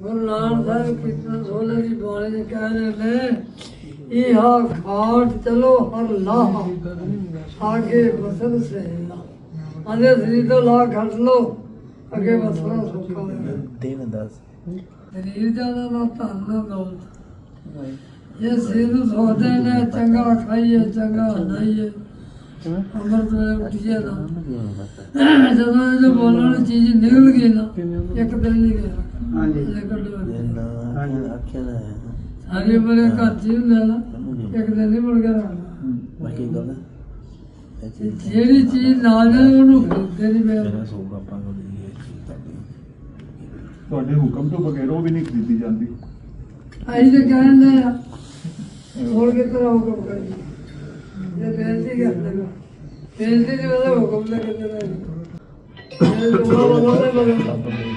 गुरु नानक साहब कितना 16 की बाणी में कह रहे थे इहा खाट चलो हर लाह आगे बसर से आधे शरीर तो ला खट लो अगे बसना सौखा है शरीर ज्यादा ना धन ना दौलत ये शरीर सोचते ने चंगा खाइए चंगा नहाइए अमृत वेले उठिए ना ਜਦੋਂ ਇਹ ਬੋਲਣ ਵਾਲੀ ਚੀਜ਼ ਨਿਕਲ ਗਈ ਨਾ ਇੱਕ ਦਿਨ ਨਹੀਂ ਗਿਆ ਸਾਰੀ ਉਮਰ ਘਰ ਚ ਹੀ ਹੁੰਦਾ ਨਾ ਇੱਕ ਦਿਨ ਨਹੀਂ ਮੁੜ ਕੇ ਰਹਿਣਾ ਜਿਹੜੀ ਚੀਜ਼ ਨਾਲ ਜਾਏ ਉਹਨੂੰ ਖਰੀਦਦੇ ਨਹੀਂ ਪਿਆ ਤੁਹਾਡੇ ਹੁਕਮ ਤੋਂ ਬਗੈਰ ਉਹ ਵੀ ਨਹੀਂ ਖਰੀਦੀ ਜਾਂਦੀ ਅਸੀਂ ਤਾਂ ਕਹਿੰਦੇ ਆ ਹੋਰ ਕਿਤਨਾ ਹੁਕਮ ਕਰੀ ये बेनती कर देगा बेनती जो है हुक्म ले के देना ये दुआ वाला नहीं बोलेगा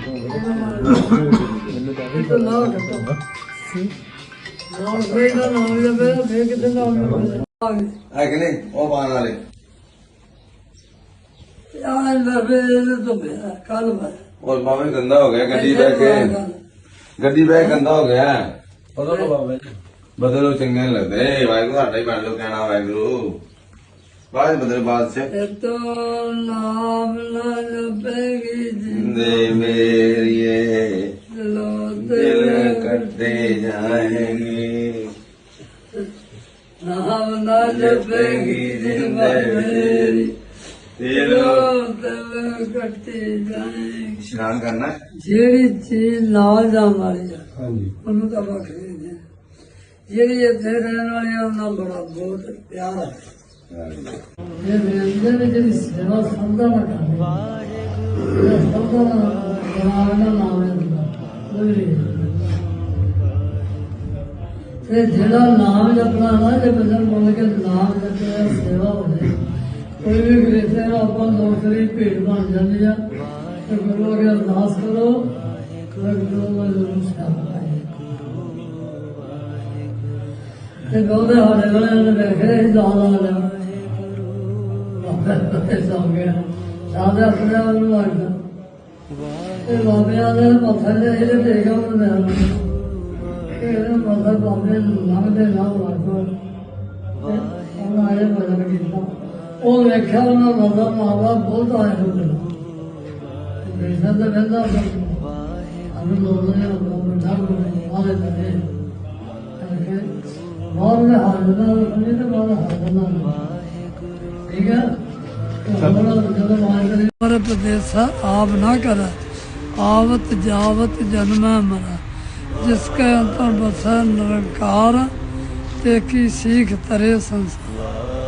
तो ना करता ना कोई ना नाम ले पे मैं कितने नाम ले है कि नहीं वो पान वाले यार लबे तो मेरा कल में और मामे गंदा हो गया गड्डी बैग गंदा हो गया बदलो बाबा बदलो चंगे नहीं लगते वाहिगुरु साडा ही बन लो कहना वाहिगुरु बाद बदले बाद से तो नाम ना लबेगी जिंदे मेरिए दिल कटते जाएंगे नाम ना लबेगी जिंदे मेरी दिल कटते जाएंगे स्नान करना ਜਿਹੜੀ ਚੀਜ਼ ਨਾਲ ਜਾਣ ਵਾਲੀ ਆ ਉਹਨੂੰ ਤਾਂ ਵੱਖਰੀ ਨੇ ਜਿਹੜੀ ਇੱਥੇ ਰਹਿਣ ਵਾਲੀ ਆ ਉਹਨਾਂ ਬੜਾ ਬਹੁਤ ਪਿਆਰ ਹੈ ਇਹ ਵੇਲੇ ਵਿੱਚ ਜਿਹੜੀ ਸੇਵਾ ਸੰਦਾ ਨਾ ਕਰਦੇ ਸੰਦਾ ਨਾ ਬਣਾਉਣਾ ਨਾਮ ਲੈਂਦਾ ਤੇ ਜਿਹੜਾ ਨਾਮ ਜਪਣਾ ਨਾ ਜੇ ਬੰਦਾ ਬੋਲ ਕੇ ਨਾਮ ਜਪਿਆ ਸੇਵਾ ਹੋਵੇ ਕੋਈ ਵੀ ਗ੍ਰੇਸੇ ਨਾਲ ਆਪਾਂ ਨੌਕਰੀ ਭੇਡ ਬਣ ਜਾਂਦੀ ਆ ਤੇ ਗੁਰੂ ਅਗੇ ਅਰਦਾਸ ਕਰੋ ਗੁਰੂ ਦਾ ਜ਼ਰੂਰ ਸੇਵਾ ਤੇ ਉਹਦੇ ਹਾਲੇ ਵਾਲੇ ਨੇ ਵੇਖਿਆ ਹੀ ਦਾਲ ਆ ਲਿਆ ਸੌ ਗਿਆ ਸਾਦੇ ਆਪਣੇ ਆਪ ਨੂੰ ਲੱਗਦਾ ਤੇ ਬਾਬਿਆਂ ਦੇ ਮੱਥੇ ਤੇ ਇਹਦੇ ਟੇਕਾ ਉਹਨੇ ਇਹਦੇ ਮੱਥੇ ਬਾਬੇ ਲੰਘਦੇ ਨਾ ਲੱਗੋ ਉਹਨਾਂ ਆਏ ਭਜਨ ਕੀਤਾ ਉਹ ਵੇਖਿਆ ਉਹਨਾਂ ਦਾ ਮਾਵਾ ਬਹੁਤ ਆਇਆ ਹੁੰਦਾ ਬੇਸਾ ਤਾਂ ਬੰਦਾ ਅਨੂ ਲੋਕਾਂ ਨੇ ਉਹ ਠਾਕ ਆਲੇ ਤੇ और में हाजर रखने तो बाद हाजर ठीक है हमारे प्रदेश आप ना कर आवत जावत जन्म मरा जिसके अंतर बसा निरंकार ते की सीख तरे संसार